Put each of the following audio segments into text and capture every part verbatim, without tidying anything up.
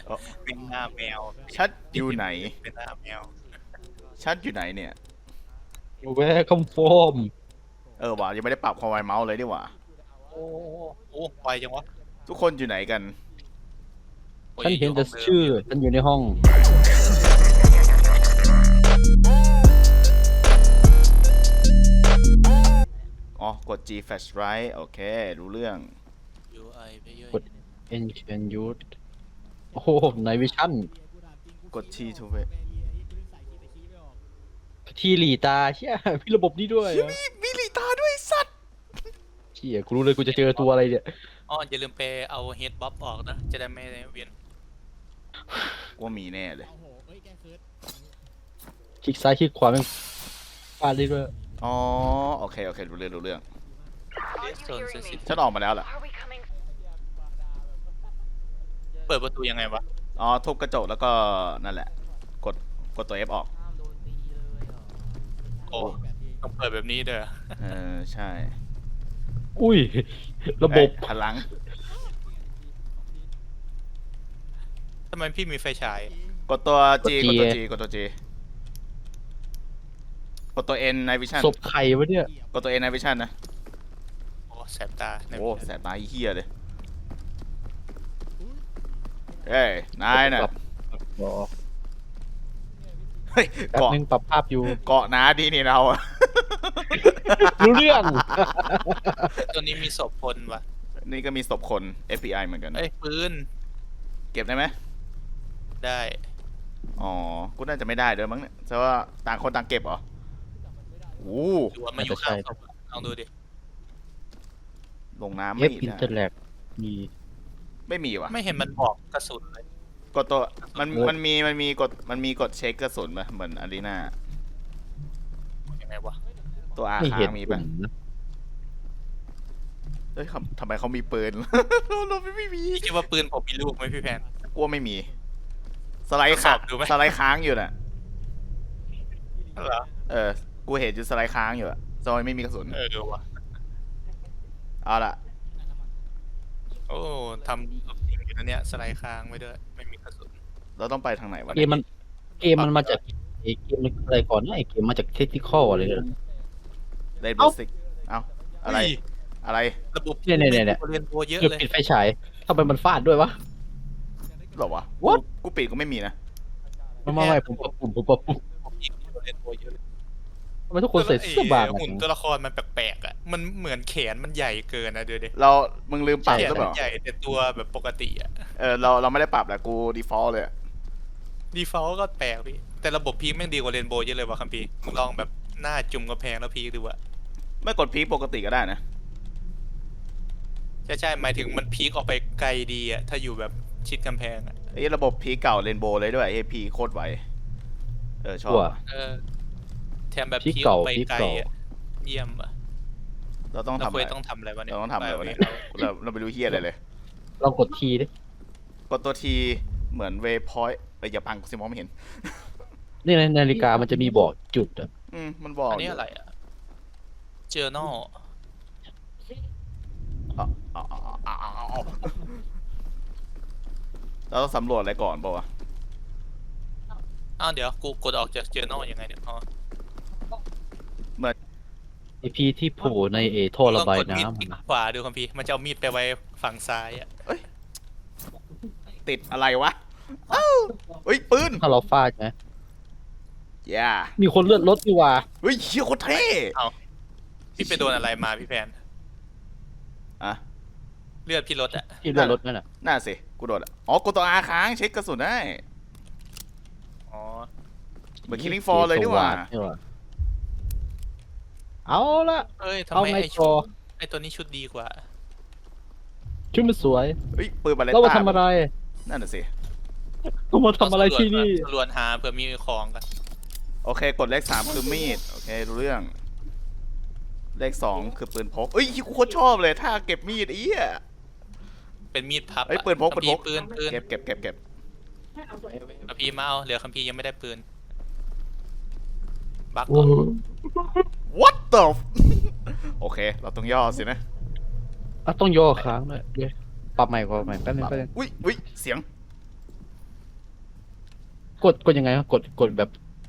เป็นหน้าแมวชัดอยู่ไหนเป็นหน้าแมวชัดอยู่ไหนเนี่ยแวร์คอมโฟมเออว่ะยังไม่ได้ปรับความไวเมาส์เลยดีกว่าโอ้โอ้ไวจังวะทุกคนอยู่ไหนกันฉันเห็นแต่ชื่อฉันอยู่ในห้องอ๋อกด G flash right โอเครู้เรื่องยูไอไปเยอะกด Ancient Youth โอ้โหในวิชั่นกด T to wait ทีหลีตาเชี่ยมีระบบนี้ด้วยเหรอมีมีลีตาด้วยสัตว์เชี่ยกูรู้เลยกูจะเจอตัวอะไรเนี่ยอ๋ออย่าลืมไปเอาเฮดบ๊อบออกนะจะได้ไม่เวียนว่ามีแน่เลยคลิกซ้ายคลิกขวาแม่งฟาดได้ด้วยอ๋อโอเคโอเครู้เรื่องรู้เรื่องโซนเซนซิทีฟฉันออกมาแล้วแหละเปิดประตูยังไงวะอ๋อทุบกระจกแล้วก็นั่นแหละกดกดตัว F ออกโอ้ต้องเปิดแบบนี้เด้อเออใช่อุ้ยระบบเอ้ยหันหลังทำไมพี่มีไฟฉายกดตัว G กกดด G ตัว G กดตัว G กดตัว N ใน Vision ศพไข่วะเนี่ยกดตัว N ใน Vision นะโอ้แสบตาในโอ้แสบตาเหี้ยเลยเฮ้ยนายน่ะรอเฮ้ยแป๊บเกาะนึงปรับภาพอยู่เกาะนาดีนี่เราอะรู้เรื่องตัวนี้มีศพคนวะนี่ก็มีศพคน เอฟ บี ไอ เหมือนกันเอ้ยปืนเก็บได้ไหมได้อ๋อกูน่าจะไม่ได้ด้วยมั้งเนี่ยแต่ว่าต่างคนต่างเก็บเหรอโอ้ดูว่ามาอยู่ข้างศพอะลองดูดิลงน้ำเอไม่ฟอินได้เตอร์แลกมีไม่มีวะไม่เห็นมันบอกกระสุนเลยกดตัวมันโอ้มันมีมันมีกดมันมีกดเช็คกระสุนปะเหมือนอารีนายังไงวะตัวอาไม่ค้าเห็นงมีผปะมนะเฮ้ยทำทำไมเขามีปืน เราไม่ไม่มีพี่คิดว่าปืนผมมีลูกไหมพี่แพนกลัวไม่มี สไลด์ทดสค้าอง บดูไหมสไลด์ค้างอยู่น่ะเหรอเออกูเห็นอยู่สไลด์ค้างอยู่อะซอยไม่มีกระสุนเออดูวะเอาละโอ้ทำสุดจริงอยู่นะเนี่ยสไลด์ค้างไว้ด้วยไม่มีกระสุนเราต้องไปทางไหนวะเกมมันเกมมันมาจากไอ้เกมมันอะไรก่อนนะไอ้เกมมาจากเทคนิคอลอะไรเนี่ยเลนเอ้าบสิกเอ้าอะไรเฮ้ยอะไรระบบเนี่ยเนี่ยเนี่ยเรียนโปรเยอะเกือบเลยปิดไฟฉายทำไมมันฟาดด้วยวะหรอวะ What? กูกูปิดก็ไม่มีนะไม่ไม่ไม่ผมปรับปุ่มผมปรับปุ่มผมยิงเรียนโปรเยอะเลยทำไมทุกคนใส่เสื้อบางแล้วไอ้อะหุ่นตัวละครมันแปลกๆอ่ะมันเหมือนแขนมันใหญ่เกินนะเดี๋ยวดิเรามึงลืมปรับแขนหรือเปมัล่านใหญ่แต่ตัวแบบปกติอ่ะเออเราเราไม่ได้ปรับแหละกู default เลยอะดีฟอลก็แปลกพี่แต่ระบบพีคแม่งดีกว่าเรนโบว์เยอะเลยว่ะคัมพีร์มึงลองแบบหน้าจุ่มกระแพงแล้วพีคดูอะไม่กดพีคปกติก็ได้นะใช่ใช่หมายถึงมันพีคออกไปไกลดีอะถ้าอยู่แบบชิดกำแพงอะไอ้ระบบพีคเก่าเรนโบว์เลยด้วยไอ้พีโคตรไวเออชอบตัวอะเออแถมแบบพีคพีคอเก่าอกไปพีคไกลเก่าอะเยี่ยมอะเราต้องเราทำเคอะยไรต้องทำอะไรวะเนี่ยเราต้องทำอะไรวะเนี่ยปเราเราไปดูเฮียอะไรเลยลองกดทีดิกดตัวทีเหมือนเวพอยต์เอ้ยอย่าปังกูสิมองไม่เห็นนี่ในนาฬิกามันจะมีบอกจุดอะอืมมันบอกอันนี้อะไรอะเจอ journal อ๋ออ๋ออ๋ออ๋ออ๋อเราต้องสำรวจอะไรก่อนป่าวะอ้าวเดี๋ยวกูกดออกจาก journal ยังไงเนี่ยอ๋อไอพีที่โผล่ในเอท่อระบายลองกดมีดน้ำคลิกอะนะขวาดูคัมพีร์มันจะเอามีดไปไว้ฝั่งซ้ายอะติดอะไรวะเอ้าเฮ้ยปืนถ้าเราฟาดไหมย่ามีคนเลือดรถดีกว่าเฮ้ยเฮียโคตรเท่พี่ไปโดนอะไรมาพี่แพนอะเลือดพี่ลดอะที่เลือดรถนั่นอะน่าสิกูโดนอะอ๋อกดตัวอาค้างเช็คกระสุนได้อ๋อเหมือน Killing Floor เลยดีกว่านี่หว่าเอาละเอ้ยทำเอาไมไงไอ้ต่ชุอดไอ้ตัวนี้ชุดดีกว่าชุดมันสวยเฮ้ยปืนบาเลเรามาต้าทำอะไรนั่นน่ะสิเรามาทำอะไรที่นี่สำรวจหาเผื่อมีของกันโอเคกดเลขสามคือมีดโอเครู้เรื่อง เลขสองคือปืนพกเอ้ยกูโคตรชอบเลยถ้าเก็บมีดไอ้เหี้ยเป็นมีดพับเอ้ยอะปืนพกปืนพกปืนปืนเก็บเก็บเก็บเก็บคัมพีร์มาเอาเหลือคัมพีร์ยังไม่ได้ปืนบักโอ้โห what the f- โอเค เราต้องย่อสินะอ่ะต้องย่อค้างด้วยเดี๋ยวปรับใหม่ก่อนใหม่แป๊บนึงแป๊บนึงอุ้ยอุ้ยเสียงกดกดยังไงวะกดกดแบบ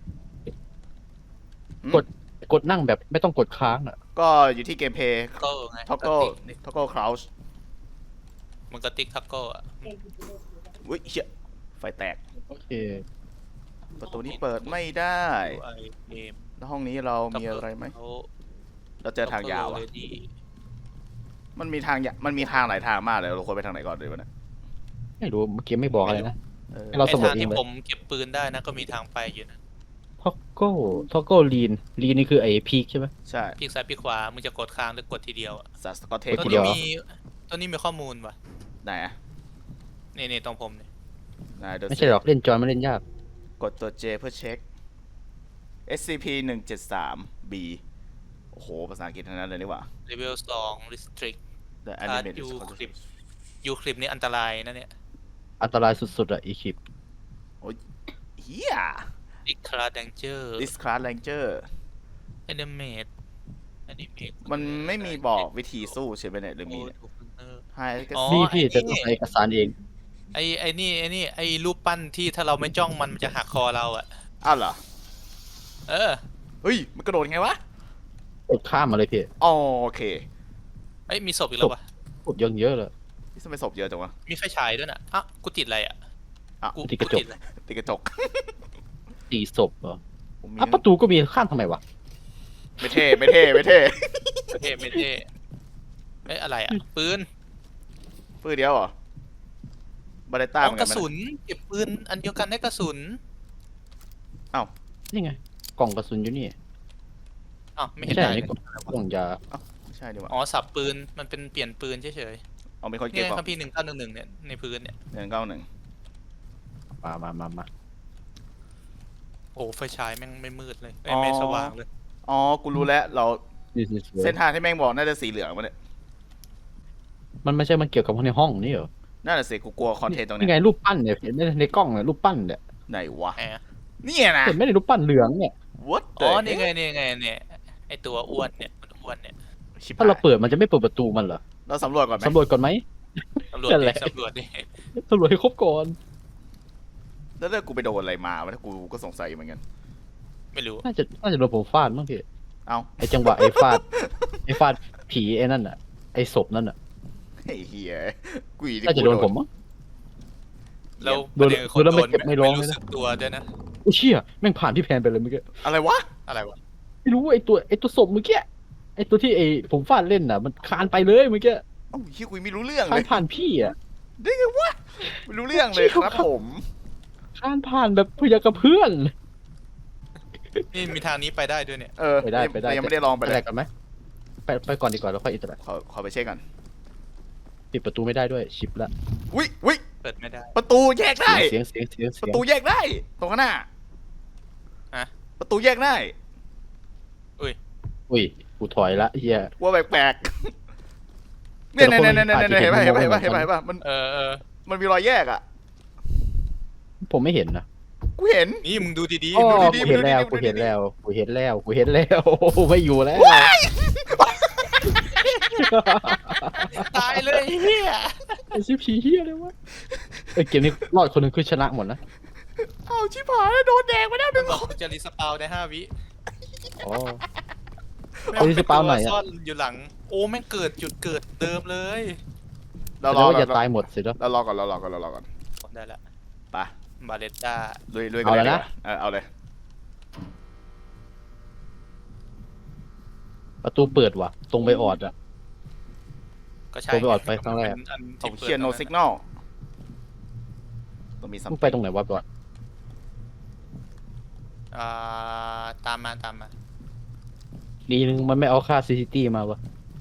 กด กดนั่งแบบไม่ต้องกดค้างอ่ะก็อยู่ที่เกมเพย์ก็ไงท็อกโก้ท็อกโก้คราวช์มันก็ติ๊กทักโก้อะอุ้ยเชี่ยไฟแตกโอเคประตูนี้เปิดไม่ได้ไอเกมแล้วห้องนี้เรามีอะไรไหมเขาเราเจอทางยาวอะเขเลยดีมันมีทางยะมันมีทางหลายทางมากเลยเราควรไปทางไหนก่อนดีวะเนี่ยไม่รู้เมื่อกี้ไม่บอกอะไรนะเออให้เราไอสำรวจทางเองที่เลยผมเก็บปืนได้นะก็มีทางไปอยู่นะท็อกโก้ท็อกโก้ลีนลีนนี่คือไอ้พีคใช่ไหมใช่พลิกซ้ายพลิกขวามึงจะกดค้างหรือกดทีเดียวอะสัตว์สกอตเทกปดตัวทีเดีนี้ยวมีตัวนี้มีข้อมูลว่ะไหนอะนี่นี่ตรงผมเนี่ยไหนเดี๋ยวไม่ใช่หรอกเล่นจอยมันเล่นยากกดตัว J เพื่อเช็ค เอส ซี พี หนึ่งเจ็ดสาม บี โอ้โห ภาษาอังกฤษทั้งนั้นเลยนี่หว่าเลเวลสอง restrict The ถ้า animate ยู is คลิปยูคลิปนี่อันตรายนะเนี่ยอันตรายสุดๆอ่ะอีคลิปเฮียอีกคลาดังเจอร์ This class ranger แอนิเมตแอนิเมตมันไม่มีบอกวิธีสู้ใช่ไหมเนี่ยหรือมีเนี่ย Hi ก็อ๋อนี่พี่ไอ้จะนี่ต้องใช้เอกสารเองไอไอนี่ไอนี่ไอรูปปั้นที่ถ้าเราไม่จ้องมันมันจะหักคอเราอะอ้าวเหรอเออเฮ้ย มันกระโดดไงวะกดข้ามมาเลยพี่อ๋อโอเคเอ้ยมีศพอีกแล้ววะกดเยอะเยอะเลยนี่ทำไมศพเยอะจังวะมีไฟฉายด้วยน่ะอ่ะกูติดอะไรอ่ะอ่ะกูติดกระจกติดอะไรติดกระจกตีศพเหรอผมมีอ่ะประตูก็มีข้ามทำไมวะไม่เท่ไม่เท่ไม่เท่ไม่เท่ไม่เท่เอ้ยอะไรอ่ะปืนปืนเดียวเหรอ บาเลต้าอ๋เหอมือนกกัระนไหมสุนเก็บปืนอันเดียวกันได้กระสุนนี่ไง กล่องกระสุนอยู่นี่อ๋อไม่ไม่เห็นใช่ได้อันเลนี้ยกล่องยาไม่ใช่ดีกว่าอ๋อสับปืนมันเป็นเปลี่ยนปืนเฉยเอามีคนๆเก็เนี่บยก่อคัมภีร์หนึ่งเก้าหนึ่งหนึ่งเนี่ยในพื้นเนี่ยหนึ่งเก้าหนึ่งมามามามาโอ้ไฟฉายแม่งไม่มืดเลยเอ้ยไม่สว่างเลยอ๋อ กูรู้แล้ว เรานี่นี่เส้นทางที่แม่งบอกน่าจะสีเหลืองวะเนี่ยมันไม่ใช่มันเกี่ยวกับในห้องนี่เหรอน่าจะสิกูกลัวคอนเทนต์ตรงนี่เนี้ไงยรูปปั้นเนี่ยเห็นไหมในกล้องเนี่ยรูปปั้นเนี่ยไหนวะแหมเนี่ยนะเห็นไหมในรูปปั้นเหลืองเนี่ย What อ๋ the อนี่ไง heck? นี่ไงเนี่ยไอตัวอ้วนเนี่ยมันอ้วนเนี่ยชิบถ้าเราหายเปิดมันจะไม่เปิดประตูมันเหรอเราสำรวจก่อนไหมสำรวจก่อนไหมตำรวจนั่นแหดิละตำรวจดิสำรวจให้ครบก่อนแล้วเรื่องกูไปโดนอะไรมาวะถ้ากูก็สงสัยเหมือนกันไม่รู้น่าจะน่าจะโดนผมฟาดมั้งพี่เอ้าไอจังหวะไอฟาด ไอฟาดผีไอ้นั่นอ่ะไอศพนั่นอ่ะไอ้เฮียกูอีน่าจะโดนผมมั้งแล้วโดนประเด็นคือคนโดนแล้วโดไม่นเจ็บไม่ร้องรู้เลยนะสึกตัวด้วยนะโอ้เชี่ยแม่งผ่านพี่แพนไปเลยเมื่อกี้อะไรวะอะไรวะไม่รู้ไอตัวไอตัวศพเมื่อกี้ไอตัวที่ไอผมฟาดเล่นน่ะ มันคานไปเลยเมื่อกี้เอ้าเฮียกูไม่รู้เรื่องคาเลนยผ่านพี่อ่ะได้ไงวะไม่รู้เรื่องเลยครับผมคานผ่านแบบพยากับเพื่อนนี่มีทางนี้ไปได้ด้วยเนี่ยเออไปได้ไปได้แต่ยังไม่ได้ลองไปไปเลไหนยกันไหมไปไปก่อนดีกว่าแล้วค่อยอินเตอร์เน็ตขอขอไปเช็คก่อนปิดประตูไม่ได้ด้วยชิปละวิวิเปิดไม่ได้ประตูแยกได้เสียงเสียงเสียงปเสียระงตูแยกได้ ตรงข้างหน้าฮะประตูแยกได้อุ้ยกูถอยละเฮียว่าแปลกๆเนี่ยเนี่ยเนี่ยเนี่ยเนี่ยเห็นป่ะเห็นป่ะเห็นป่ะเห็นป่ะเห็นป่ะมันเออเออมันมีรอยแยกอ่ะผมไม่เห็นนะกูเห็นนี่มึงดูดีอ๋อๆดูดีดีกูเห็นแล้วดูกูดีเห็นแล้วกูเห็นแล้วกูเห็นแล้ว ไม่อยู่แล้วๆตายเลยเฮียไอชิผีเฮียเลยวะไอเกมนี้รอดคนหนึงคือชนะหมดนะเอาชิบหายโดนแดงไปแล้วหมันึ่นงบอกคนมันจะรีสปาวในห้าวิอ๋อแม่งรีสปาวน์ไหนอะซ่อนอยู่หลัง โอ้แม่งเกิดจุดเกิดเดิมเลยเราแสรดองว่าเราจะตายหมดสิแล้วเรารอก่อนเรารอก่อนเรารอก่อนได้ละไปบาเลต้าลุยลุยกัเอานแล้วเลยนะดีกว่าเออเอาเลยประตูเปิดว่ะ ตรงไปออดอะก็ใช่ผมไปออดไปครั้งแรกเป็นอันเอาที่เชียร์ no ปิด signal ต้องมีซัมมึงไปตรงไหนวะบอดอ่าตามมาตามมาดีนึงมันไม่เอาค่าซีซีทีมาวะ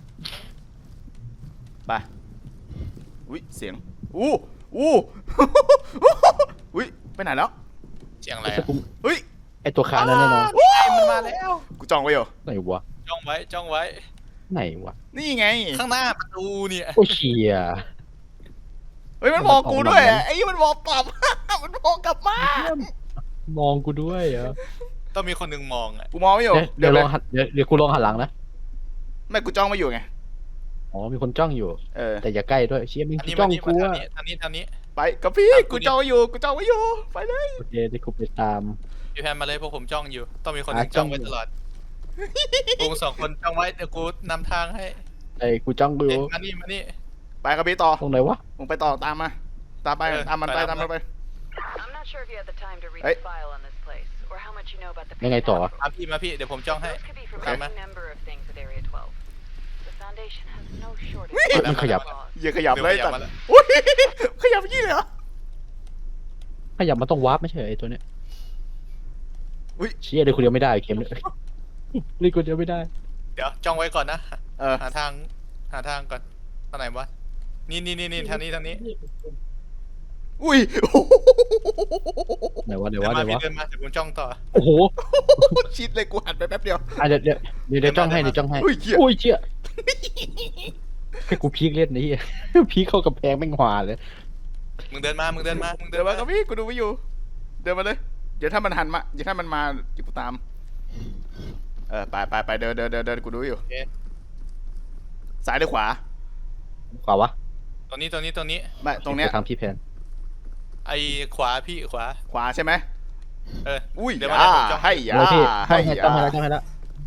ไปอุ้ยเสียงอู้อู้อุ้ยไปไหนแล้วเสียงอะไรไอ้อะกูเฮ้ยไอตัวคานนั่นแน่นอนเฮ้ยมันมาแล้วกูจองไว้อยู่ไหนวะจ้องไว้จ้องไว้ไหนวะนี่ไงข้างหน้าประตูเนี่ยโอ้เชียเฮ้ยมันมองกูด้วยอะไอ้ยี่มันมองกลับ มันมองกลับมามองกูด้วยเหรอต้องมีคนหนึ่งมองอ่ะกูมองไม่อยู่เดี๋ยวเลลองหันเดี๋ยวเดี๋ยวกูลองหันหลังนะไม่กูจ้องไม่อยู่ไงอ๋อมีคนจ้องอยู่เออแต่อย่าใกล้ด้วยเชี่ยมึงอันนี้จ้มาองนี่กูมาอะทางนี้ทางนี้ทางนี้ไปไปกับพี่กูจ้องไว้อยู่กูจ้องไว้อยู่ไปเลยโอเคได้กูไปตามพี่แพนมาเลยพวกผมจ้องอยู่ ต้องมีคนหอ่ะนึงจ้องจ้องไว้ตลอดพวกสองคนจ้องไว้เดี๋ยวกูนำทางให้ไอ้กูจ้องดูเอ๊ะมานี่มานี่ไปกับพี่ต่อตรงไหนวะมึงไปต่อตามมาตามไปเออตามมันไปไปตามมันไป I'm not sure if you have the time to read Hey. the file on this place, or how much you know about the ยังไงต่อ Pentagon. มาพี่มาพี่เดี๋ยวผมจ้องให้ Those could be from Okay. any number of things with Area twelve. The Foundation has no shortage Wait. of มันขยับ laws. อย่าขยับเลยเดี๋ยวจัดขยับมาแล้วอุ้ยขยับยี่เลยเหรอขยับมันต้องวาร์ปไม่ใช่เหรอไอ้ตัวเนี้ยอุ๊ยเชี่ยเดี๋ยวคนเดียวไม่ได้เกมเลยเล่นคนเดียวไม่ได้เดี๋ยวจ้องไว้ก่อนนะเออหาทางหาทางก่อนทางไหนวะนี่นี่นี่นี่ทางนี้ทางนี้อุ้ยไหนวะเดี๋ยวเดินวะมาเดี๋ยวพี่วะเดินมาเดี๋ยวผมจ้องต่อโอ้โหชิดเลยกูหันไปแป๊บเดียวอ่ะเดี๋ยวเดี๋ยวเดี๋ยวเดี๋ยวจ้องให้เดี๋ยวจ้องให้อุ้ยเหี้ยอุ้ยเชี่ยให้กูพีคเล่นนี่ พีคเข้ากับแพงแม่งหวาเลยมึงเดินมามึงเดินมามึงเดิเดินนมามากับพี่กูดูไว้อยู่ เดินมาเลย เดี๋ยวถ้ามันหันมาเดี๋ยวถ้ามันมาเดี๋ยวกูตาม เออไปไปไปเดินเดินเดินเดินกูดูอยู่ซ้ายหรือขวาขวาวะตรงนี้ตรงนี้ตรงนี้ไม่ตรงเนี้ยไปทางพี่แพนไอ้ขวาพี่ขวาขวาใช่ไหมเอออุ้ยเดี๋ยวมาอ่าเดี๋ยวผมจ้องให้ยาเดี๋ยวพี่ให้จ้องให้ยาจ้องให้แล้วจ้องให้แล้ว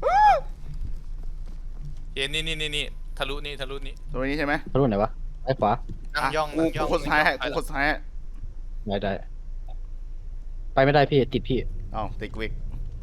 เห็นนี่นี่นี่นี่ทะลุนี่ทะลุนี่ตรงนี้ใช่ไหมทะลุไหนวะไอ้ขวานั่งอ่ะย่องกูนั่งย่กูองคนซ้ายให้กูนั่งคย่องนซ้ายให้ได้ได้ไปไม่ได้พี่ติดพี่เอ้าติดกูอีก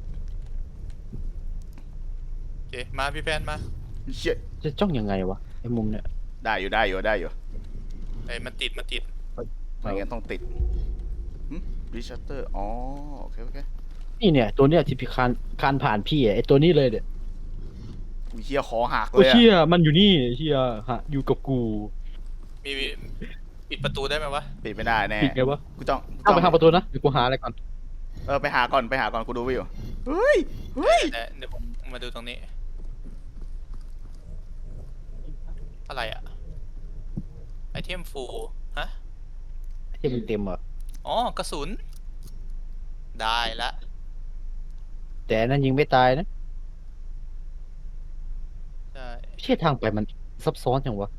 โอเคมาพี่แพนมาเชี่ยจะจ้องยังไงวะไอ้มุมเนี่ยได้ได้อยู่ได้อยู่ได้อยู่ไอ้มันติดมันติดไม่งั้นต้องติดรีชัตเตอร์อ๋อโอเคโอเคนี่เนี่ยตัวเนี้ยที่พี่คานคานผ่านพี่อะไอ้ตัวนี้เลยเนี่ยกูเชี่ยคอหักเลโอ้ยอะเชี่ยมันอยู่นี่เชี่ยฮะอยู่กับกูมีปิดประตูได้ไหมวะปิดไม่ได้แน่ปิดไงวะกูจ้องเข้าไปทางประตูนะเดี๋ยวกูหาอะไรก่อนเออไปหาก่อนไปหาก่อนกูดูไว้อยู่เฮ้ยเฮ้ยแต่เดี๋ยวผมมาดูตรงนี้ อะไรอะไอเทมฟูฮะที่มันเต็มเหรออ๋อกระสุน ได้ละแต่นั่นยิงไม่ตายนะใช่เชี่ยทางไปมันซับซ้อนจังวะ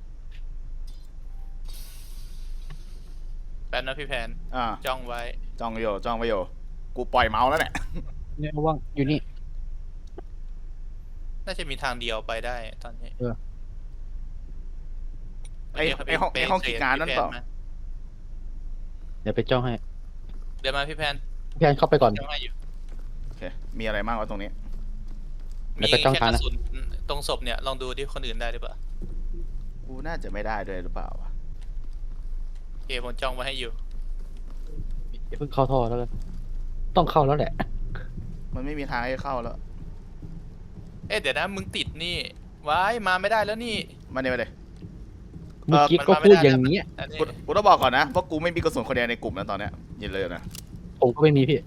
แป๊บนะพี่แพนอ่าจ้องไว้จ้องไว้อยู่จ้องไว้อยู่กูปล่อยเมาส์แล้วเนี่ยเนี่ยว่างอยู่นี่น่าจะมีทางเดียวไปได้ตอนนี้เออไอ้ไอ้ห้องไอ้ห้องกิจการนั่นเปล่าเดี๋ยวไปจ้องให้เดี๋ยวมาพี่แพนพี่แพนเข้าไปก่อนจ้องให้อยู่โอเคมีอะไรบ้างวะตรงนี้แล้มีวก็จ้องแค่ทางกนะระสุนตรงศพเนี่ยลองดูดิคนอื่นได้หรือเปล่ากูน่าจะไม่ได้ด้วยหรือเปล่าวะโอเคผมจ้องไว้ให้อยู่อย่าเพิ่งเข้าท่อแล้วกันต้องเข้าแล้วแหละมันไม่มีทางให้เข้าแล้วเอ๊ะเดี๋ยวนะมึงติดนี่ว้ายมาไม่ได้แล้วนี่มาเนี่ยมาเลยเมื่อกี้ก็พูดอย่างเงี้ยอันนี้กูกูต้องบอกก่อนนะว่ากูไม่มีกระสุนคนเดียวในกลุ่มนะตอนเนี้ยยินเลยนะผมก็ไม่มีพี่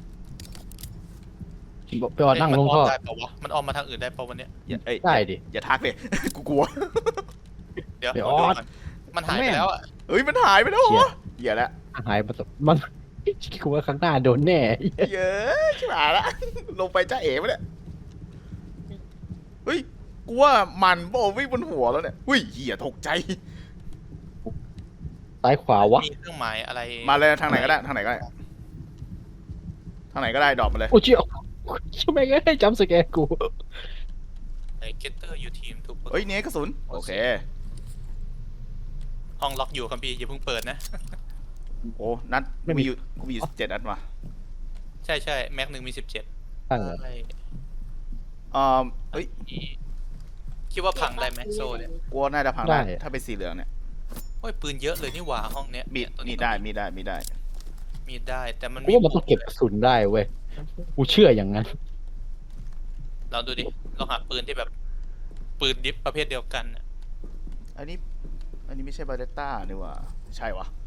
บอกไปออดนั่งลงท่อมันได้เปล่าวะมันออกมาทางอื่นได้เปล่าวันเนี้ยอย่าเอ้ยได้ดิอย่าทักเลย กูกลัวเดี๋ยวไปขอดูอดก่นมันหายไปแล้วอะเฮ้ยมันหายไปแล้วเหรเชี่อย เหี้ยแล้วหายมาตมันกูว่าข้างหน้าโดนแน่เยอะชิบหายละ ลงไปจ้าเอ๋ปะเนี่ยเฮ้ยกูว่ามันโบวิ่งบนหัวแล้วเนี่ยเฮ้ยเหี้ยตกใจซ้ายขวาวะมีเครื่องหมายอะไรมาเลยทางไหนก็ได้ทางไหนก็ได้ทางไหนก็ได้ดรอปมาเลยโอ้เชี่ยใช่ไหมก็ได้จำสแกนกูไอ้เกตเตอร์ยูทีมทุกเฮ้ยเนี่ยกระสุนโอเคห้องล็อกอยู่คัมพีร์อย่าเพิ่งเปิดนะโอ้นัดกูมีอยู่กูมีอยู่เจ็ดนัดว่ะใช่ใช่แม็กหนึ่งมีสิบเจ็ดตั้งเลยอ่าเฮ้ยคิดว่าพังได้ไหมโซ่เนี่ยกูว่าน่าจะพังได้ถ้าเป็นสีเหลืองเนี่ยโอ้ยปืนเยอะเลยนี่หว่าห้องเนี้ยมีดเนี่ยตัวมีนี้ดได้มีดได้มีดได้มีดได้แต่มันกูว่ามันต้องเก็บกระสุนได้เว้ยกูเชื่ออย่างนั้นเราดูดิลองหาปืนที่แบบ ปืนดิฟประเภทเดียวกันน่ะอันนี้อันนี้ไม่ใช่บาเรต้านี่หว่าใช่วะ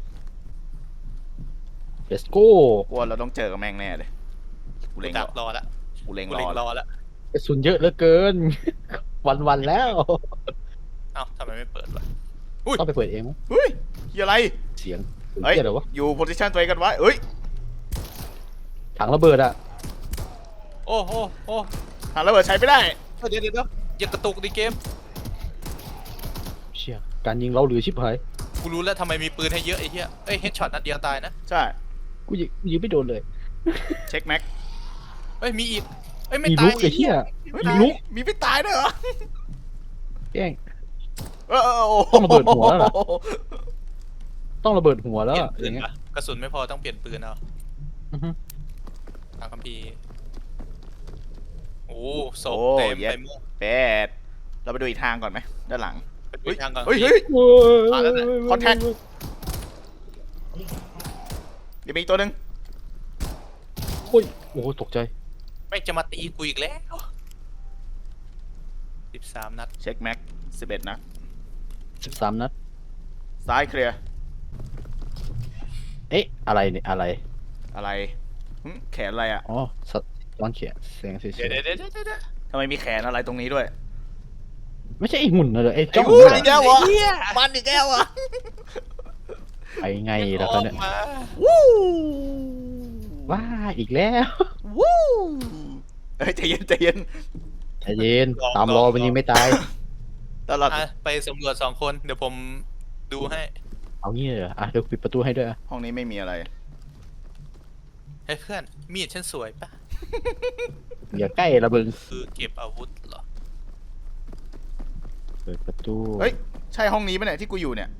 let's go กูว่าเราต้องเจอกับแม่งแน่เลยกูกูเล็งรดัอกรอละกูเล็งกูรเล็งอรอละกระสุนเยอะเหลือเกิน วันวันๆแล้วเอ้าทำไมไม่เปิดวะต้องไปเปิดเองมั้งเฮ้ยเหี้ยอะไรเสียงเฮ้ยเสียงอะไรวะอยู่โพซิชันตัวเองกันไว้เฮ้ยถังระเบิดอะโอ้โหโอ้หาระเบิดใช้ไม่ได้เดี๋ยวเดี๋ยวเดี๋ยวอย่ากระตุกดิเกมเชี่ยการยิงเราเหลือชิบหายกูรู้แล้วทำไมมีปืนให้เยอะไอ้เหี้ยเอ้ยเฮดช็อตนัดเดียวตายนะใช่กูยิงกูยิงไม่โดนเลยเช็คแม็กเอ้ยมีอีกเอ้ยไม่มีตาลุยกไอ้เหี้ยเฮ้ยมีลุกมีพี่ตายด้วยเหรอแกล้งเออเออโอ้โหต้องระเบิดหัวแล้วล่ะ ต้องระเบิดหัวแล้วเปลี่ยอะนปือน ย่างเงี้ยปะกระสุนไม่พอต้องเปลี่ยนปืนเอาอือฮึตามคัมภีร์โอ้ศโอ้พเต็มเย็ไปดหมดแปดเราไปดูอีกทางก่อนไหมด้านหลังไปดูเฮ้ยทางก่อนเฮ้ยเฮ้ยโอ้ยมาแล้วนะ Contact เดี๋ยวมีอีกตัวหนึ่งโอ้ยโอ้โหตกใจไม่จะมาตีกูอีกแล้วสิบสามนัดเช็คแม็กสิบเอ็ดนะสิบสามนัดซ้ายเคลียร์เอ๊ะอะไรเนี่ยอะไรอะไรหึแขนอะไรอ่ะอ๋อสัตว์ร้อนเขียนเสียงเฉยเดี๋ยวเดี๋ยวเดี๋ยวเดี๋ยวเดี๋ยวทำไมมีแขนอะไรตรงนี้ด้วยๆไม่ใช่ไอ้หุ่นนะเลยไอ้ไอ้จ้องหูเนี่ยอีกแล้ววะมันอีกแล้ววะไปไงล่ะครับเนี่ยออกมาวู้ว้าอีกแล้ววู้เฮ้ยใจเย็นใจเย็นใจเย็นตามรอมันยิงไม่ตายตลอดอ่ะไปสำรวจสองคนเดี๋ยวผมดูให้เอางี้เลยเหรออ่ะเดี๋ยวปิดประตูให้ด้วยอ่ะห้องนี้ไม่มีอะไรเฮ้ยเพื่อนมีดฉันสวยปะอย่าใกล้ระเบิงคือเก็บอาวุธเหรอเปิดประตูเฮ้ยใช่ห้องนี้ปะเนี่ยที่กูอยู่เนี่ย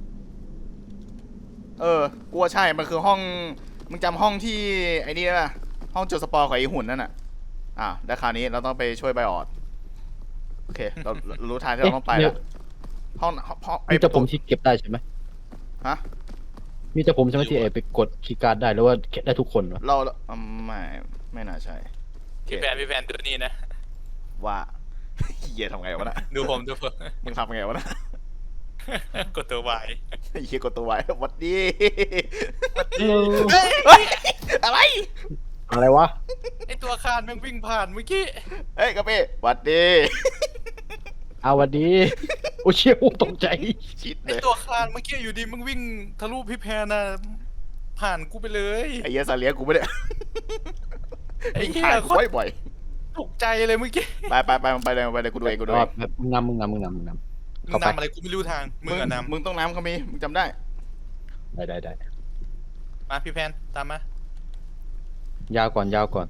เออกลัวใช่มันคือห้องมึงจำห้องที่ไอ้นี่ได้ปะห้องจุดสปอร์ของไอ้หุ่นนั่นน่ะอ่ะแล้วคราวนี้เราต้องไปช่วยไบออดโอเคเราเรารู้ทางที่เราต้องไปแล้วห้องห้องไอ้มีแต่ผมที่เก็บได้ใช่ไหมฮะมีแต่ผมใช่ไหมที่เอไปกดคีย์การ์ดได้หรือว่าเก็บได้ทุกคนวะเราอืมไม่ไม่น่าใช่โอเคพี่แฟนพี่แฟนดูนี่นะว่า เหี้ยทำไงวะน่ะดูผมดูผมมึงทำไงวะน่ะกดตัววายเหี้ยกดตัวไว้วัดดีเออเฮ้ยอะไรอะไรวะไอตัวคานแม่งวิ่งผ่านเมื่อกี้เฮ้ยกระเป้วัดดีเอาวันดีโอ้เชี่ยโอ้ตกใจชิดไอเลยตัวคานเมื่อกี้อยู่ดีมึงวิ่งทะลุพี่แพรน่ะผ่านกูไปเลยไอ้เหี้ยสาเลียกูไม่ได้ไอ้เหี้ยผ่านโคกูตรบ่อยตกใจเลยเมื่อกี้ๆไปไปไปไปเลยไปเลยกูดูเองกูดูอ๋เออง แบบมึงนำมึงนำมึงนำมึงนำมึเข้าง ไปนำอะไรกูไม่รู้ทางมึงอะนมึงต้องน้ำเขามีมึงจำได้ได้ได้ได้ำมาพี่แพนตามมายาวก่อนยาวก่อน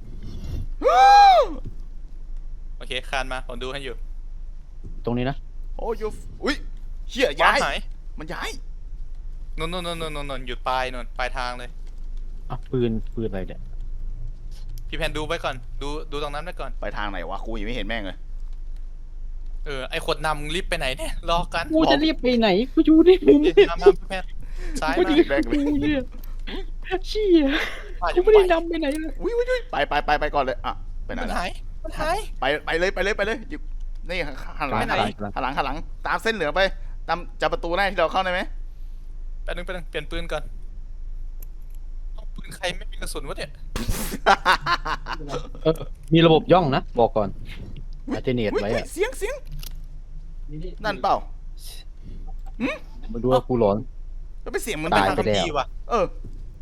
โอเคคานมาผมดูให้อยู่ตรงนี้นะโอ้ยอุ้ยเหี้ยย้ายหายมันย้ายนนนนนนนนนหยุดปลายนนปลายทางเลยอ่ะปืนปืนอะไรเนี่ยพี่แพนดูไว้ก่อนดูดูตรงนั้นไว้ก่อนไปทางไหนวะกูยังไม่เห็นแม่งเลยเออไอคนนำมึงรีบไปไหนเนี่ยรอกันกูจะรีบไปไหนกูอยู่ในมุมมามาพี่แพนซ้ายกูมาจะรีบกูเนี่ยเชี่ยผ่านกูไม่ได้นำไปไหนเลยอุ้ยอุ้ยอุ้ยไปไปไปไปก่อนเลยอ่ะไปไหนมันล่ะหายมันหายไปไปเลยไปเลยไปเลยอยู่นี่หันหลังไปไหนหันหลังหันหลังตามเส้นเหลืองไปตามจับประตูได้ที่เราเข้าได้ไหมแป๊บนึงแป๊บนึงเปลี่ยนปืนก่อนเอาปืนใครไม่มีกระสุนวะเนี่ยเออมีระบบย่องนะบอกก่อนอาเจเนียตอุ๊ยไว้อุ๊ยอะเสียงเสียงนั่นเปล่ามาดูว่ากูร้อนแล้วเป็นเสียงเหมันตายทางไปคัมแล้วภีร์ว่ะเออ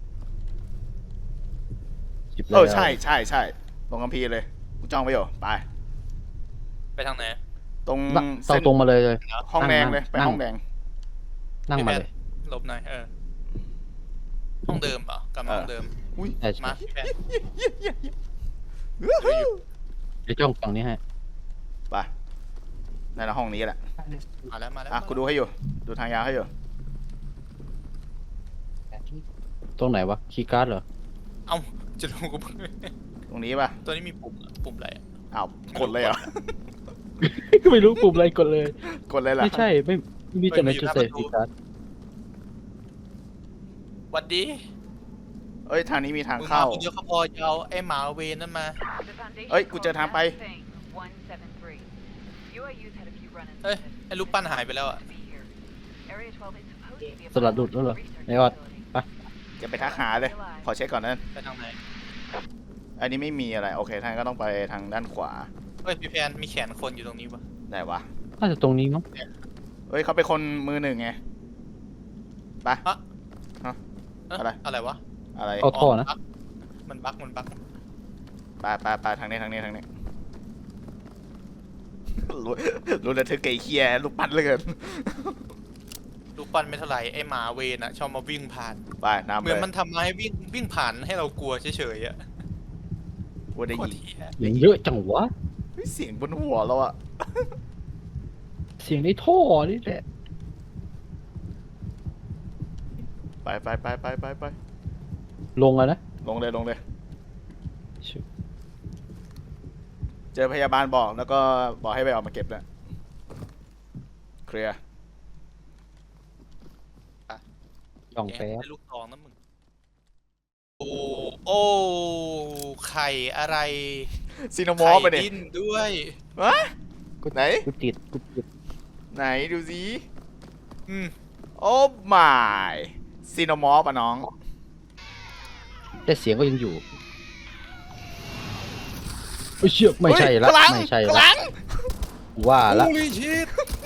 จิบเอแล้วอใช่ใช่ใช่ตรงคัมภีร์เลยกูจ้องไปอยู่ไปไปทางไหนตรงนั่งเส้นตรงมาเลยเลยห้องแดงเลยนั่งไปนั่งห้องแดงนั่งมาเลยหลบหน่อยเออห้องเดิมเหรอกลับมาห้องเดิมอุ้ยใช่มาใช่พี่แพนเยี่ยเยี่ยเยี่ยเยี่ยวู้ฮู้เดี๋ยวจ้องฝั่งนี้ให้ไปนั่นแหละห้องนี้แหละมาแล้วมาแล้วอ่ะกูดูให้อยู่ดูทางยาวให้อยู่ตรงไหนวะคีย์การ์ดเหรอเอ้าจะลงกูตรงนี้ป่ะตัวนี้มีปุ่มอะปุ่มอะไรอะอ้าวกดเลยเหรอไม่รู้ปุ่มอะไรกดเลยกดเลยเหรอไม่ใช่ไม่ไม่มีแต่ในชุดเซฟคีย์การ์ดหวัดดีเอ้ยทางนี้มีทางมึงมาเข้าคนเดียวเขาพอจะเอาไอ้หมาเวนนั่นมา The Foundation เอ้ยกูเจอทางไป called Thing one seven three. U I U's had a few run-ins เอ้ย with it. ไอ้รูปปั้นหายไปแล้วอ่ะ To be here. Area twelve is supposed to be a สลัดหลุดแล้วเหรอ research ไม่ว่า facility. ไปจะไปทักหาเลย ขอเช็คก่อนนั่นไปทางไหนอันนี้ไม่มีอะไร โอเคทางก็ต้องไปทางด้านขวาเฮ้ยพี่แพนมีแขนคนอยู่ตรงนี้ปะได้วะน่าจะตรงนี้มั้งเฮ้ยเขาเป็นคนมือหนึ่งไง ไปเอ๊ะอะไรอะไรวะอะไรเอาท่อนะบั๊กมันบั๊กมันบั๊กไปไปไปทางนี้ทางนี้ทางนี้รู้รู้ระทึกไก่เคียลูกปั้นเหลยเกินลูกปั้นไม่เท่าไหร่ไอหมาเวนอะชอบมาวิ่งผ่านไปน้ำเหไปมือนมันทำมาให้วิ่งวิ่งผ่านให้เรากลัวเฉยๆอะว่าได้โคตรยินเหี้ยอย่างเยอะจังวะเฮ้ยเสียงบนหัวเราอะเสียงในท่อนี่แหละไปไปไปไปไปไปลงแล้วนะลงเลยลงเลย เจอพยาบาลบอกแล้วก็บอกให้ไปออกมาเก็บแล้วเคลียร์ย่องแกแป๊บได้ลูกทองนะมึงโอ้โอ้ไข่อะไรซีโนมอร์ฟไปไข่เนี่ยดิ้นด้วยวะไหนกูติดกูติดไหนดูสิอืมโอ้มายซีโนมอร์ฟอะน้องแต่เสียงก็ยังอยู่เอ้ยเชือกไม่ใช่ละเฮ้ยกำลังไม่ใช่กำละลังว่าละโอ้ยชิต